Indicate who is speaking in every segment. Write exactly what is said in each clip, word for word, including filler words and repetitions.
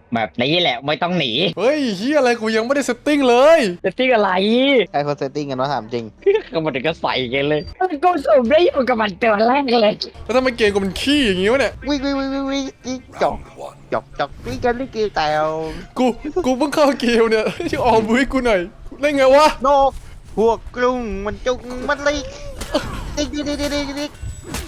Speaker 1: แบบนี้แหละไม่ต้องหนี
Speaker 2: เฮ้ยเฮียอะไรกูยังไม่ได้เซตติ้งเลย
Speaker 1: จะติ้งอะไร
Speaker 3: ใครเขาเซตติ้งกันวะถามจริง
Speaker 1: ก็มันถึงก็ใส่กันเลยกูสูบได้อยู่กับมันตัวแรกเลย
Speaker 2: แล้วทำไมเกมกูมันขี้อย่างงี้วะเนี่ย
Speaker 3: วิ่งวิ่งวิ่งวิ่งวิ่งวิ่งจอกจอกจอกวิ่งกันวิ่งกันแต่ว
Speaker 2: กูกูเพิ่งเข้าเกมเนี่ยช่วยออกมือให้กูหน่อยเล่นไงวะ
Speaker 3: นกพวกกรุงมันจุกมันลิกดิ๊กดิ๊กดิ๊กดิ๊กดิ๊ก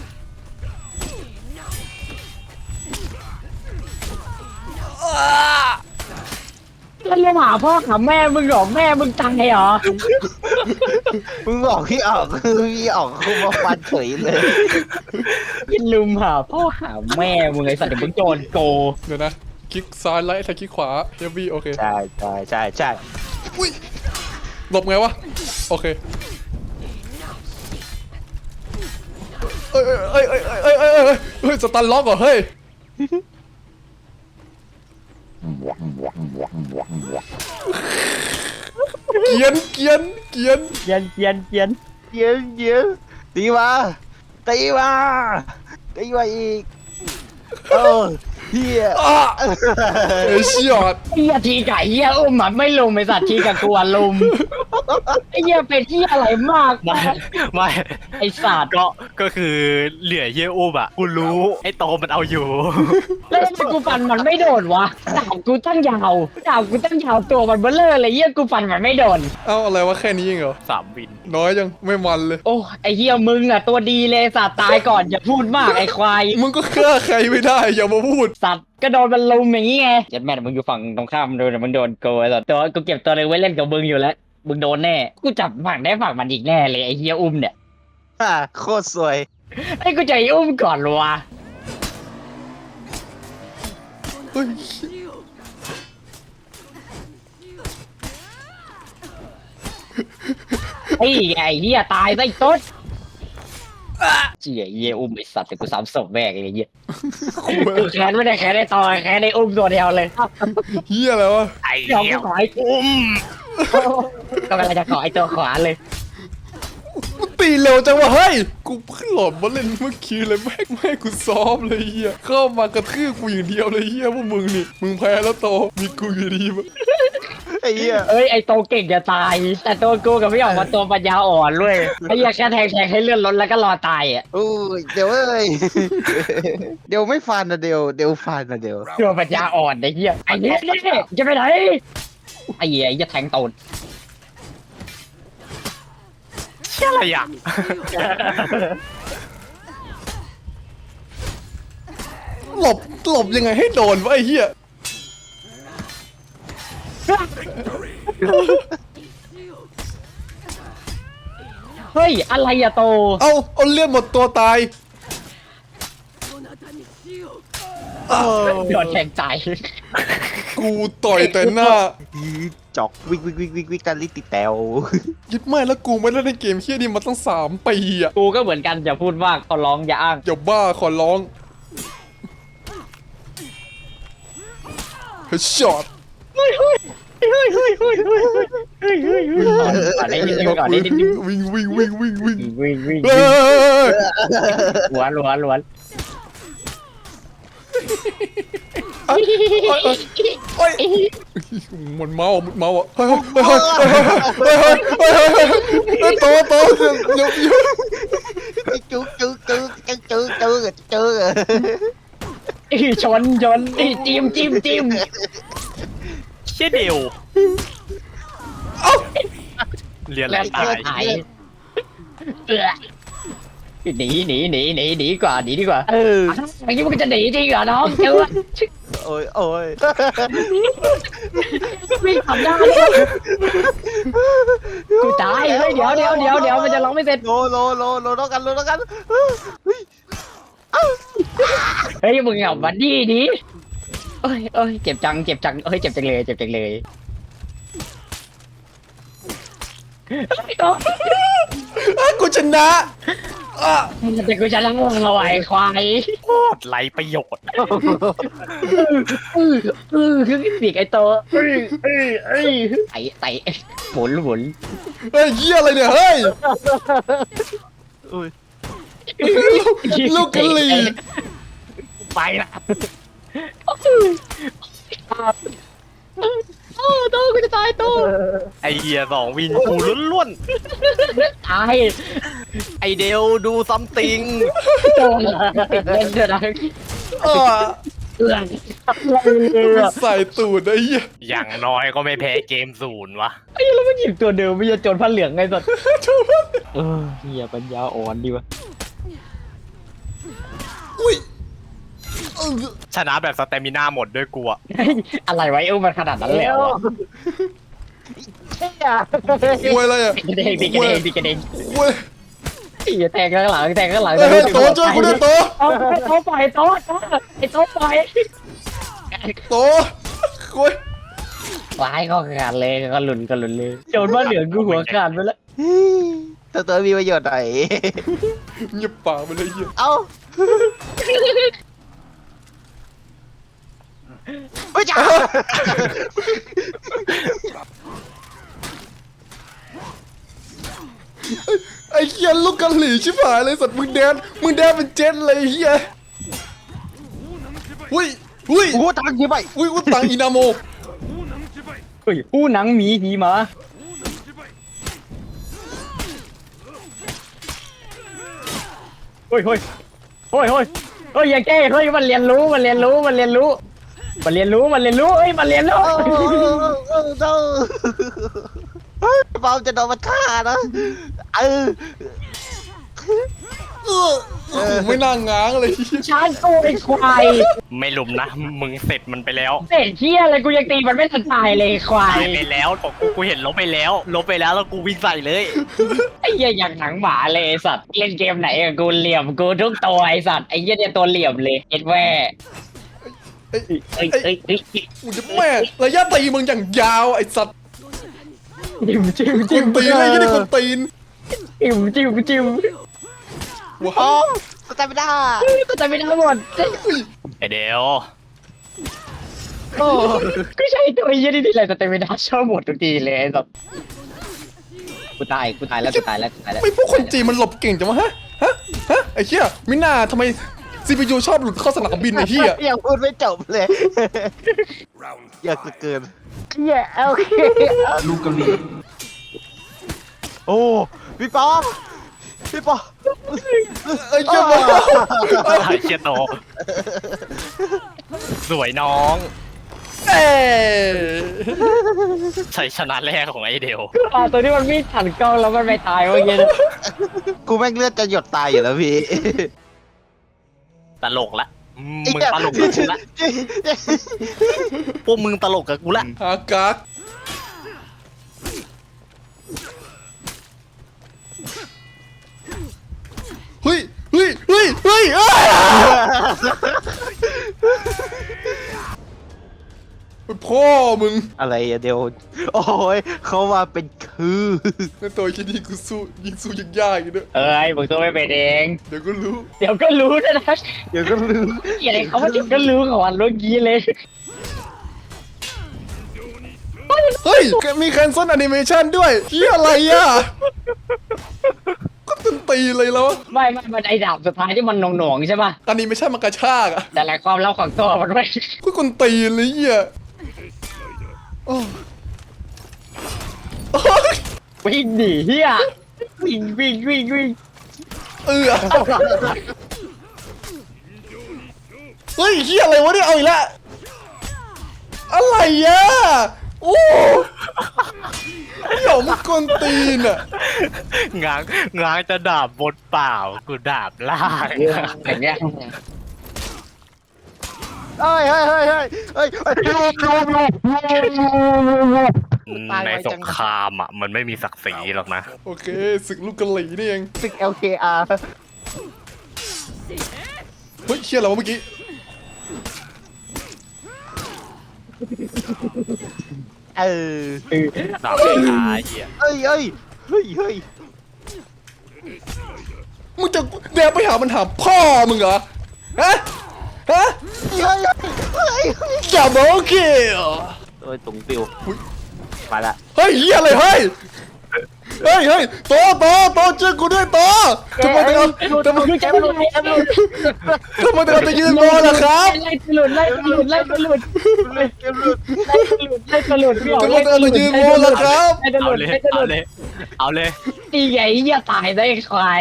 Speaker 1: แล้วเรียกหาพ่อหาแม่มึงเหรอแม่มึงตายเหรอ
Speaker 3: มึงบอกพี่ออกคือพี่ออกคือมาฟันเฉยเลย
Speaker 1: ยินลืมหาพ่อหาแม่มึงไอ้สัตว์เดี๋ยวมึงโจรโก
Speaker 2: เดี๋ยวนะคลิกซ้ายไลท์ถ้าคลิกขวาเฮฟวี่โอเค
Speaker 3: ใช่ใช่ใช่ใช่
Speaker 2: อุ้ยหลบไงวะโอเคเอ้ยเอ้ยเอ้ยเอ้ยเอ้ยเอ้ยเอ้ยเฮ้ยสตันล็อกเหรอเฮ้ยเกียนเกียนเกียน
Speaker 1: เย็นเย็นเย็น
Speaker 3: เย็นเย็นตีมาตีมาตีมาอีกเออเฮีย
Speaker 2: อ่ะเฮ้ยเชียด
Speaker 1: ไอ้เหี้ยทีไก่เหี้ยอุ้มอ่ะไม่ลุมไอ้สัตว์ทีกับกลัวลุมไอ้เหี้ยเป็นที่อะไรมาก
Speaker 4: ไม่ไม่
Speaker 1: ไอ้สัตว์
Speaker 4: ก็ก็คือเหลือเยี่ยอุ้มอ่ะกูรู้ไอ้โตมันเอาอยู่
Speaker 1: แล้วทำไมกูฟันมันไม่โดนวะดาบกูตั้งยาวดาบกูตั้งยาวตัวมันเบ้อเลอเลยเหี้ยกูฟันมันไม่โดน
Speaker 2: เอ้าอะไรวะแค่นี้เองเหรอ
Speaker 4: สามวิน
Speaker 2: น้อยยังไม่มันเลย
Speaker 1: โอ้ไอ้เหี้ยมึงอ่ะตัวดีเลยสัตว์ตายก่อนอย่าพูดมากไอ้ควาย
Speaker 2: มึงก็ฆ่าใครไม่ได้อย่ามาพูด
Speaker 1: สัตว์ก็โดนมันลุมอย่างงี้ไงยัดแม่มึงอยู่ฝั่งตรงข้ามโดนมึงโดนโกยสัตว์ตัวกูเก็บตัวเลยไว้เล่นกับมึงอยู่แล้วมึงโดนแน่กูจับฝั่งได้ฝั่งมันอีกแน่เลยไอ้เหี้ยอุ้มเนี่ย
Speaker 3: ฮ่าโคตรสวย
Speaker 1: ไอ้กูจะไอ้อุ้มก่อนวะ
Speaker 2: เฮ้ย
Speaker 1: ไอ้ไอ้เหี้ยตายซะไอ้ต้นเจี๊ยเหี้ยอุ้มไอ้สัตว์แต่กูสามศพแม่งเลยเหี้ยกูแค้นไม่ได้แค้นได้ต่อแค้นได้อุ้มตัวเดียวเลย
Speaker 2: เฮียอะไรวะ
Speaker 4: ไอ้
Speaker 1: เดี๋ยว
Speaker 4: เหี้
Speaker 1: กู
Speaker 4: ย
Speaker 1: ขอไอ้อุ้มก็กำลังจะขอไอ้ตัวขวาเลย
Speaker 2: กูตีเร็วจังวะเฮ้ยกูเพิ่งหลบมาเล่นเมื่อกี้เลยแม่งแม่งกูซ้อมเลยเฮียเข้ามากระทืบกูอย่างเดียวเลยเฮียพวกมึงนี่มึงแพ้แล้วโตมีกูอยู่ดีมั้ย
Speaker 3: ไอ้เหี้ย
Speaker 1: เอ้ยไอ้โตเก่งจะตาย แต่ตัวกูกับพี่ออกมาตัวปัญญาอ่อนเลยไอ้เหี้ยแค่แทงแทงให้เลื่อนรถแล้วก็รอตายอ่ะ
Speaker 3: โอ้ยเดี๋ยวเอ้ย เดี๋ยวไม่ฟันนะเดี๋ยวเดี๋ยวฟันนะเดี๋ยว
Speaker 1: ตัวปัญญาอ่อนไอ้เหี้ยไอ้เหี้ยนี่จะไปไหนไอ้เหี้ยไอ้เหี้ยแทงตูด
Speaker 4: เชี่ยอะไรอ่ะ
Speaker 2: หลบหลบยังไงให้โดนวะไอ้เฮีย
Speaker 1: เฮ้ยอะไรอะโต
Speaker 2: เอาเอาเลือดหมดตัวตาย
Speaker 1: โดนแทงตาย
Speaker 2: กูต่อยแต่หน้า
Speaker 3: จอกวิ่งวิ่งวิ่งวิ่งวิ่งกันลิติแตว
Speaker 2: ยึดไม่แล้วกูไม่ได้เล่นเกมเฮียนี่มาตั้งสามปีอ่ะ
Speaker 1: กูก็เหมือนกันอย่าพูดมากขอร้องอย่าอ้าง
Speaker 2: อย่าบ้าขอร้องเฮ้ยช็อต
Speaker 1: เฮ้ยเฮ้ยเฮ้ยเฮ้ยเฮ้ยเฮ้ยเฮ้ยเฮ้ยเฮ้ยก่อนได้นิดนึงก่อนได้นิดนึง
Speaker 2: วิ่งวิ่งวิ่งวิ่งวิ่ง
Speaker 1: วิ่งวิ่ง
Speaker 2: เฮ้ย
Speaker 1: ล้วนล้วนล้วน
Speaker 2: โอ้ยมันเมามันเมาอ่ะเฮ้ยเฮ้ยเฮ้ยเฮ้ยเฮ้ยเฮ้ยเฮ้ยเฮ้ยเฮ้ยโตโตเดี๋ยวเดี๋ยว
Speaker 3: จุ๊กจุ๊กจุ๊กจุ๊กจุ๊กจุ๊กจุ๊ก
Speaker 1: ชนชนจิ้มจิ้มจิ้ม
Speaker 4: เชี่ยเดียวเรียน
Speaker 1: แล้ว
Speaker 4: ตาย
Speaker 1: หายเออหนีหนีหนีหนีหนีกว่าหนีดีกว่าเอออย่างนี้มันจะหนีจริงเหรอน้องเจ้า
Speaker 3: โอ้ยโอ้ย
Speaker 1: วิ่งขับได้กูตายเฮ้ยเดี๋ยวเดี๋ยวเดี๋ยวเดี๋ยวมันจะร้องไม่เสร็จ
Speaker 3: โลโลโลโลต้องกันโลต้องกัน
Speaker 1: เฮ้ยมึงเอาบัดดี้ดิเอ้ยเอ้ยเจ็บจังเจ็บจังเอ้ยเจ็บจังเลยเจ็บจังเลยเอ้ย
Speaker 2: กูชนะอ่ะ
Speaker 1: แต่กูจะละงงเอาไอ้ควาย
Speaker 4: โคตรไรประโยชน์
Speaker 1: เออเออคือปีกไอ้โตเอ้ยเอ้ยเอ้ยไอ้ไอ้หมุนหมุน
Speaker 2: เฮ้ยเหี้ยอะไรเนี่ยเฮ้ย
Speaker 3: อุ้ย
Speaker 2: ลูกกะหรี่
Speaker 1: ไปละ
Speaker 4: ไอเฮียสองวินกูล้วน
Speaker 1: ตาย
Speaker 4: ๆไอเดลดูซัมติง
Speaker 1: โดนเล่นเถอะนะ
Speaker 2: อ่า
Speaker 1: เอื้อน
Speaker 2: ใส่ตูดไอ้เหี้ย
Speaker 4: อย่างน้อยก็ไม่แพ้เกมศูนย์วะ
Speaker 1: ไอ้แล้วมันหยิบตัวเดิมไม่ใช่โจรผ้าเหลืองไงสัตว์เออเฮียปัญญาอ่อนดีวะ
Speaker 2: อุ้ยเออ
Speaker 4: ชนะแบบสเตมิน่าหมดด้วยกูอะ
Speaker 1: อะไรไว้เออมันขนาดนั้นแล้วอะ
Speaker 2: ควยอะไรอ่ะ
Speaker 1: ตีกระเด้งตีกระเด้งตีกระเด้ง
Speaker 2: ควย
Speaker 1: ไอ้เหี้ยแทงข้างหลังแทงข้างหลัง
Speaker 2: เฮ้ยโตช่วยกูด้วยโต
Speaker 1: เอาไอ้โต๊ะปล่อยโต๊ะโต๊ะไอ้โต๊ะปล่อย
Speaker 2: โตควย
Speaker 1: ร้ายก็ขาดเลยก็หลุนก็หลุนเลยโจรผ้าเหลืองกูหัวขาดไปแล้ว
Speaker 3: ตัวตัวมีประโยชน์ไหน
Speaker 2: เงียบปากไปเลยเหี้ย
Speaker 3: เอ้าเฮ้ยจ้า
Speaker 2: ไอ้เหี้ยลูกกะหรี่ชิบหายเลยสัตว์มึงแดนมึงแดนเป็นเจ็ตเลยไอ้เหี้ยอุ้ยอุ้ย
Speaker 3: โอ้โหตังค์ยี่ใบ
Speaker 2: อุ้ยอุยตังอินาโม
Speaker 1: เฮ้ยผู้หนังหมีผีหมาเฮ้ยเฮ้ยเฮ้ยเฮ้ยเฮ้ยอย่าแก้เฮ้ยมันเรียนรู้มันเรียนรู้มันเรียนรู้มันเรียนรู้มันเรียนรู้เฮ้ยมันเรียนรู้
Speaker 3: เออเออเออเออเฮ้ยเบาจะโดนมันฆ่านะเออ
Speaker 2: เออโอ้โหไม่น่าง้างเลยเหี้ย
Speaker 1: ชาร์จกูไอ้ควาย
Speaker 4: ไม่ลุมนะ มึงเสร็จมันไปแล้ว
Speaker 1: เศษเชี่ยอะไรกูยังตีมันไม่ทันตายเลยควาย
Speaker 4: ตายไปแล้วของกูกูเห็นลบไปแล้ว ลบไปแล้วแล้วกูวิ่งใส่เลย
Speaker 1: ไอ้เหี้ยอย่างหนังหมาเลยไอ้สัตว์เล่นเกมไหนอะกูเหลี่ยมกูทุกตัวไอ้สัตว์ไอ้เหี้ยเนี่ยตัวเหลี่ยมเลยเอ็ดแว่
Speaker 2: ไอ้
Speaker 1: เอ้ย
Speaker 2: ไอ้
Speaker 1: เอ้ยเอ้ย
Speaker 2: กูจะแม่ระยะตีมึงอย่างยาวไอ้สัตว์
Speaker 1: จิ้มจิ้ม
Speaker 2: ค
Speaker 1: จิ้ม
Speaker 2: นตีนเลยยี่นี่คนตีน
Speaker 1: จิ้มจิ้มจิ้ม
Speaker 2: ว้า
Speaker 3: โอ้
Speaker 2: ว
Speaker 3: สแตมิน่า
Speaker 1: ก็จะไม่ได้หมด
Speaker 4: ไอเดล
Speaker 1: โอ้ก็ใช่ตัวไอ้เหี้ยนี่นี่แหละแต่ไม่ได้ชอบหมดทุกทีเลยไอ้สัตว์กูตายกูตายแล้วกูตายแล้วกูตายแล้ว
Speaker 2: ไม่พวกคนจีนมันหลบเก่งจังวะฮะฮะฮะไอ้เหี้ยมิน่าทำไมซีพียูชอบหลุดเข้าสนามบินไอ้เหี้ย
Speaker 3: ยังพูดไม่จบเลยอยากเกิน
Speaker 1: เหี้ยโอเค
Speaker 3: ลูกกะหรี่โอ้พี่ป๊อปพี่ป๊อป
Speaker 2: ไอ้เหี้ยบอก
Speaker 4: ไอเชียโต สวยน้อง
Speaker 2: เอ้ย
Speaker 4: ชัยชนะแรกของไอเดล
Speaker 1: ปลาตัวที่มันวิ่งผ่านกล้องแล้วมันไปตายเมื่อกี้นะ
Speaker 3: กูแม่งเลือดจะหยดตายอยู่แล้วพี่
Speaker 4: ตลกละมึงตลกกับกูละพวกมึงตลกกับกูละ
Speaker 2: อากากเฮ้ยเฮ้ยเฮ้ยเฮ้ยเอ้ยพ่อมึง
Speaker 3: อะไรอะเดี๋ยวโอ้ยเขามาเป็นคือ
Speaker 2: ในตัวคิดดีกูสู้ยิงสู้ยังยากอยู่ด้วย
Speaker 1: เอ้ยมึงตัวไม่เป็นเอง
Speaker 2: เดี๋ยวก็รู้
Speaker 1: เดี๋ยวก็รู้นะนะ
Speaker 3: เดี๋ยวก็ลืม
Speaker 1: เหี้ยอะไรเขาว่าเดี๋ยวก็รู้ของวันเมื่อกี้เลย
Speaker 2: เฮ้ยมีแคนเซิลแอนิเมชันด้วยเฮียอะไรอ่ะก็ตึนตีเลยแล้ว
Speaker 1: ไม่ไม่มันไอ้ดาบสุดท้ายที่มันหน่วงๆใช่ป่ะ
Speaker 2: แอนิเมชันมันกระชากอ่ะ
Speaker 1: แต่ละความลับของตัวมันไม่
Speaker 2: ก็คนตีเลยเฮียโอ้โอ้ย
Speaker 1: วิ่งหนีเฮียวิ่งวิ่งวิ่งวิ่ง
Speaker 2: เออเฮ้ยเฮียอะไรวะเนี่ยเอาอีกแล้วอะไรอ่ะโอ้หยอมกวนตีนอ่ะ
Speaker 4: ง้างง้างจะดาบบนเปล่า กูดาบล่าง
Speaker 1: อย่างเงี้ย
Speaker 3: เฮ้ยเฮ้ยเฮ้ยเฮ้ยเฮ้ย
Speaker 4: ในสงครามอ่ะ มันไม่มีศักดิ์ศรีหรอกนะ
Speaker 2: โอเคศึกลูกกะหรี่นี่เอง
Speaker 3: ศึก แอล เค อาร์
Speaker 2: เฮ้ยเชี่ยอะไรวะเมื่อกี้
Speaker 3: เออ
Speaker 4: ดาบสุดท้ายเหี้ย
Speaker 3: เฮ้ยเฮ้ยเฮ้ยเฮ้ย
Speaker 2: มึงจะเดินไปหามันหาพ่อมึงเหรอฮะฮะ
Speaker 3: เฮ้ยเฮ้ยเฮ้ย
Speaker 2: อย่าบอกโอเค
Speaker 3: โอ้ยตุงปิวมาละ
Speaker 2: เฮ้ยเฮียอะไรเฮ้ยเฮ้ยเฮ้ยโตโตโตเจอกูด้วยโตทำไมถึงเอาทำไม
Speaker 1: แกหลุดแกหลุด
Speaker 2: ทำไมถึงเอาตะยืนโตล่ะครับ
Speaker 1: ไล่หลุดไล่หลุดไล่หลุด
Speaker 3: เกมหลุด
Speaker 1: ไล่หลุดไล่หลุดพี่อ๋อ
Speaker 2: ทำไมถึงเอาตะยืนโตล่ะครับ
Speaker 1: ไล่ห
Speaker 4: เอา
Speaker 1: ลุด
Speaker 4: เลย
Speaker 1: ไล่ห
Speaker 4: เอา
Speaker 1: ลุด
Speaker 4: เลยเอาเลย
Speaker 1: ตีใหญ่เหี้ยตายได้ควาย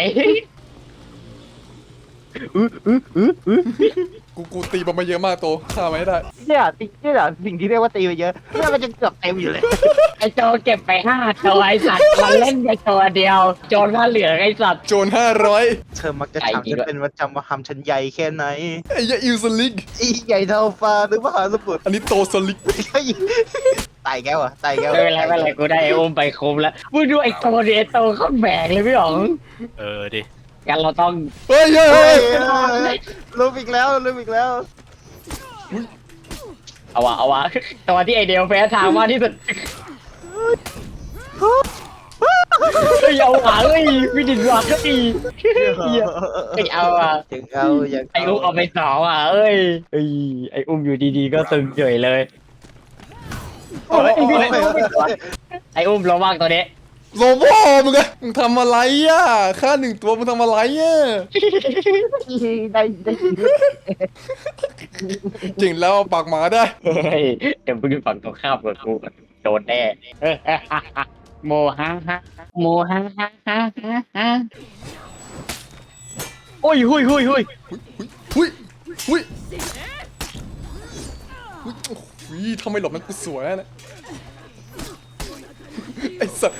Speaker 2: กูกูตีมันมาเยอะมากโตฆ่ามันให้ได้
Speaker 3: เนี่ยตีเนี่ยสิ่งที่เรียกว่าตีไปเยอะเนี่ยมันจะเกือบเต็มอยู่เลย
Speaker 1: ไอโจเก็บไปห้าตัวไอสัตว์มันเล่นไปตัวเดียว โจรผ้าเหลืองไอสัตว์
Speaker 2: โจรห้าร้อย
Speaker 3: เธอมักจะถามฉันเป็นประจำว่าทำฉันใหญ่แค่ไหน
Speaker 2: ไอ้ยาอิวสลิก
Speaker 3: อีใหญ่เท่าฟ้าหรือมหาสมุทร
Speaker 2: อันนี้โตสลิก
Speaker 3: ตายแก้วอะตายแก้ว
Speaker 1: ไม่เป็นไรไม่เป็นไรกูได้ไออุ้มไปคุ้มแล้วมึงดูไอโตเดียโตเขาแบกเลยพี่อ๋อง
Speaker 4: เออดิ
Speaker 1: กันเราต้อง
Speaker 2: เฮ้ยเฮ้ย
Speaker 3: เฮ้
Speaker 2: เฮ้
Speaker 3: ย
Speaker 2: ย
Speaker 3: ลืมอีกแล้วลืมอีกแล้ว
Speaker 1: เอาวะเอาวะตัวที่ไอเดียวแพ้ทางมากที่สุดเฮ้ยเอาวะเฮ้ยวิดินวะก็ดีไอเอาอ่ะ
Speaker 3: ถึงเอาอย่าง
Speaker 1: ไออุ้มเอาไปสองอ่ะเอ้ยเอ้ยไออุ้มอยู่ดีๆก็ตึงเฉยเลยโอ้ยไออุ้มไออุ้มระวังตัวนี้
Speaker 2: โลโบ้มึงอะมึงทำอะไรอ่ะฆ่าหนึ่งตัวมึงทำอะไรอ่ะ
Speaker 3: ได้ได้
Speaker 2: เก่งแล้วเอาปากหมาได้
Speaker 1: เฮ้ยเดี๋ยวมึงฝั่งตรงข้ามกับกูก่อนโดนแน่เออโมฮะฮะโมฮะฮะฮะฮะฮะโอ้ยหุยหุยหุย
Speaker 2: หุยหุยหุยโอ้โหทำไมหลบนั้นกูสวยอะนะไอ้สัส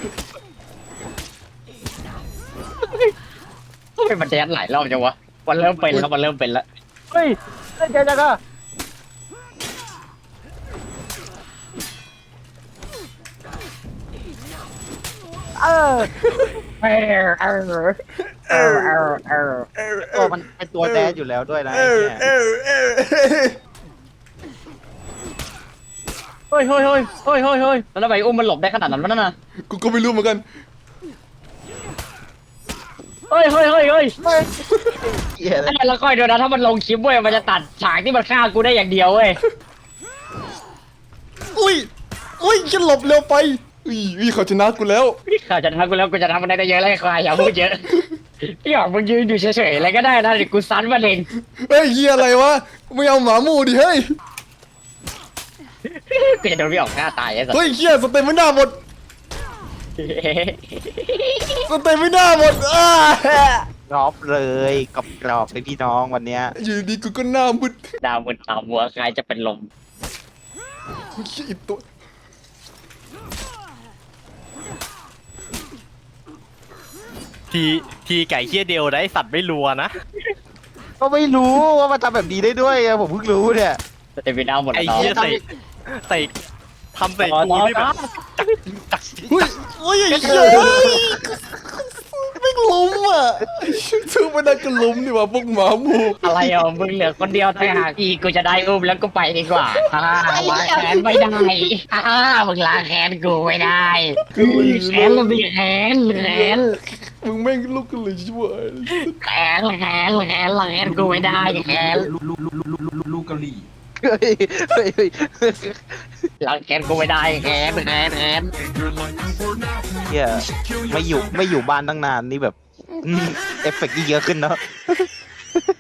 Speaker 1: ทำไมมันแดนหลายรอบจังวะมันเริ่มเป็นแล้วมันเริ่มเป็นแล้ว
Speaker 3: เฮ้ยได้ใจจังอะเออ
Speaker 1: เออเออเออเออเออ
Speaker 3: ตัวมันเป็นตัวแดนอยู่แล้วด้วยนะ
Speaker 2: เอ
Speaker 3: ไอ้
Speaker 2: อ
Speaker 3: เนี่ย
Speaker 2: เออเออ
Speaker 1: เฮ้ยเฮ้ยเฮ้ยเฮ้ยเฮ้ยเฮ้ยแล้วทำไมอุ้มมันหลบได้ขนาดนั้นวะนั่นน่ะ
Speaker 2: กูก็ไม่รู้เหมือนกัน
Speaker 1: เฮ้ยเฮ้ยเฮ้ยเฮ้ย
Speaker 3: เหี้ย
Speaker 1: ไอ้แล้วค่อยดูนะถ้ามันลงคลิปเว้ยมันจะตัดฉากที่มันฆ่ากูได้อย่างเดียวเว้ย
Speaker 2: อุ้ยอุ้ยฉันหลบเร็วไปอุ้ยอุ้ยเขาชนะกูแล้ว
Speaker 1: ข้าจะทำกูแล้วกูจะทำมันได้เยอะเลยควายอย่าพูดเยอะพี่หยอกมึงยืนอยู่เฉยๆอะไรก็ได้นะเดี๋ยวกูซันมันเอง
Speaker 2: เฮ้ยเฮียอะไรวะไม่เอาหมาหมูดิเฮ้ย
Speaker 1: กูจะโดนพี่หยอกฆ่าตายไอ้สัส
Speaker 2: เฮ้ยเฮียสเต็มไม่น่าหมดสเต็มไม่น่าหมดอ้าก
Speaker 3: รอบเลยกรอบกรอบเลยพี่น้องวันเนี้ย
Speaker 2: อยู่ดีกูก็หน้ามึด
Speaker 1: ดาวมึนตามหัวใครจะเป็นลม
Speaker 2: เฮ้ยอีกตัว
Speaker 4: ทีทีไก่เคี้ยเดียวได้สัตว์ไม่รัวนะ
Speaker 3: ก็ไม่รู้ว่ามันทำแบบนี้ได้ด้วยไงผมเพิ่งรู้เนี่ย
Speaker 1: สเตมินาหมด
Speaker 4: ไอ้
Speaker 1: แล้ว
Speaker 4: เคี้ยใส่ใส่ทำใส่
Speaker 1: ต่อ
Speaker 4: กู
Speaker 1: ต่อ
Speaker 4: นี่แบ
Speaker 1: ต่อบ
Speaker 4: จัก
Speaker 2: เฮ้ยเฮ้ยไอ้เฮียไม่ล้มอ่ะชื่อไม่ได้ก็ล้มดีกว่าพวกหมาหมู
Speaker 1: อะไรอ่ะมึงเหลือคนเดียวต่างหากอีกกูจะได้อุ้มแล้วก็ไปดีกว่าอ่าล้างแค้นไม่ได้อ่ามึงล้างแค้นกูไม่ได้แค้นแล้วสิแค้นแค้น
Speaker 2: มึงแม่งลุกกันเลยช่วย
Speaker 1: แค้นแค้นแค้นแค้นกูไม่ได้แค้น
Speaker 3: เฮ้ยเฮ้ยเฮ้ย
Speaker 1: ล้างแค้นกูไม่ได้แค้นแค้นแค้น
Speaker 3: เหี้ยไม่อยู่ไม่อยู่บ้านตั้งนานนี่แบบอืมเอฟเฟกต์ยิ่งเยอะขึ้นเนาะ